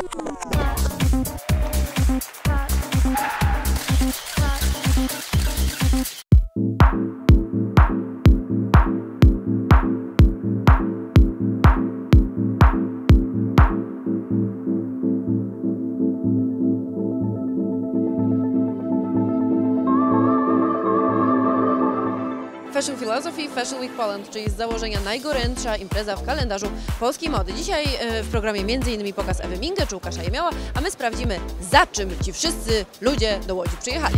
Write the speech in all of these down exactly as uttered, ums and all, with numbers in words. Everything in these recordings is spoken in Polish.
Fashion Philosophy Fashion Week Poland, czyli z założenia najgorętsza impreza w kalendarzu polskiej mody. Dzisiaj w programie między innymi pokaz Ewy Mingę czy Łukasza Jemiała, a my sprawdzimy, za czym ci wszyscy ludzie do Łodzi przyjechali.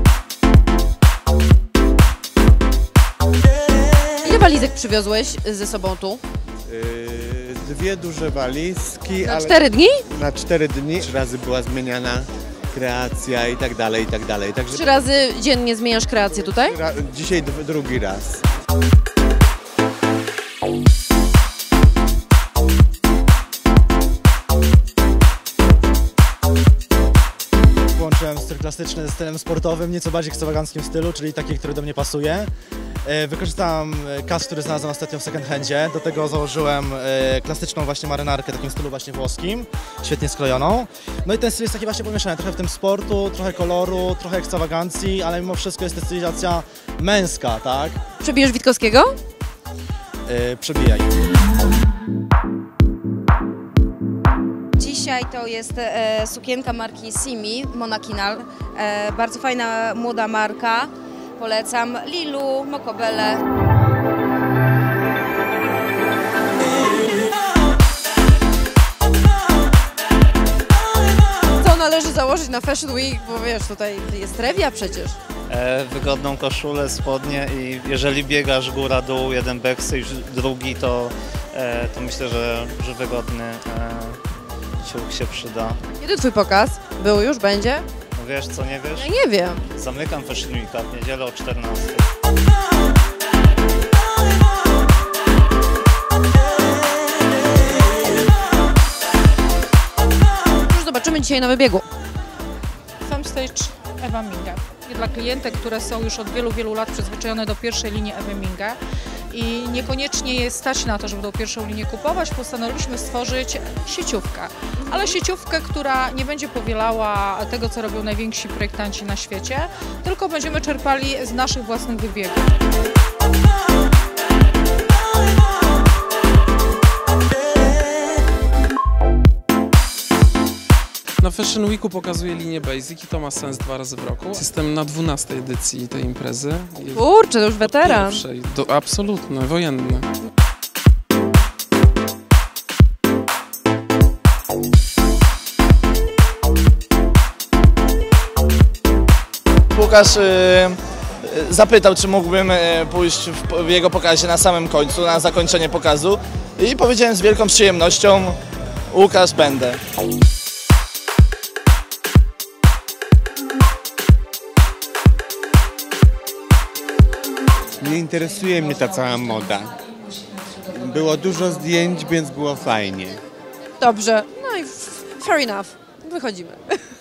Ile walizek przywiozłeś ze sobą tu? Yy, dwie duże walizki. Na ale cztery dni? Na cztery dni. Trzy razy była zmieniana kreacja i tak dalej, i tak dalej. Także Trzy razy dziennie zmieniasz kreację tutaj? dzisiaj drugi raz. Połączyłem styl klasyczny ze stylem sportowym, nieco bardziej ekstrawaganckim stylu, czyli taki, który do mnie pasuje. Wykorzystałem kas, który znalazłem ostatnio w second handzie. Do tego założyłem klasyczną właśnie marynarkę, w takim stylu właśnie włoskim, świetnie skrojoną. No i ten styl jest taki właśnie pomieszany, trochę w tym sportu, trochę koloru, trochę ekstrawagancji, ale mimo wszystko jest to stylizacja męska, tak? Przebijesz Witkowskiego? Yy, przebijaj. Dzisiaj to jest e, sukienka marki Simi, Monakinal. E, bardzo fajna, młoda marka. Polecam Lilu, Mokobele. Co należy założyć na Fashion Week, bo wiesz, tutaj jest rewia przecież. E, wygodną koszulę, spodnie i jeżeli biegasz góra-dół, jeden backstage, drugi, to, e, to myślę, że, że wygodny e, ciuch się przyda. Kiedy twój pokaz? Był już? Będzie? No wiesz co, nie wiesz? Ja nie wiem. Zamykam Fashion Weeka w niedzielę o czternastej. Już zobaczymy dzisiaj na wybiegu. Femstage Ewa Minga. Dla klientek, które są już od wielu, wielu lat przyzwyczajone do pierwszej linii Ewy Minga i niekoniecznie jest stać na to, żeby tą pierwszą linię kupować, postanowiliśmy stworzyć sieciówkę. Ale sieciówkę, która nie będzie powielała tego, co robią najwięksi projektanci na świecie, tylko będziemy czerpali z naszych własnych wybiegów. Na Fashion Weeku pokazuje linię Basic i to ma sens dwa razy w roku. Jestem na dwunastej edycji tej imprezy. Kurczę, to już weteran. Pierwszej, do, absolutny, wojenny. Łukasz y, zapytał, czy mógłbym y, pójść w, w jego pokazie na samym końcu, na zakończenie pokazu i powiedziałem z wielką przyjemnością: Łukasz, będę. Nie interesuje mnie ta cała moda. Było dużo zdjęć, więc było fajnie. Dobrze, no i fair enough. Wychodzimy.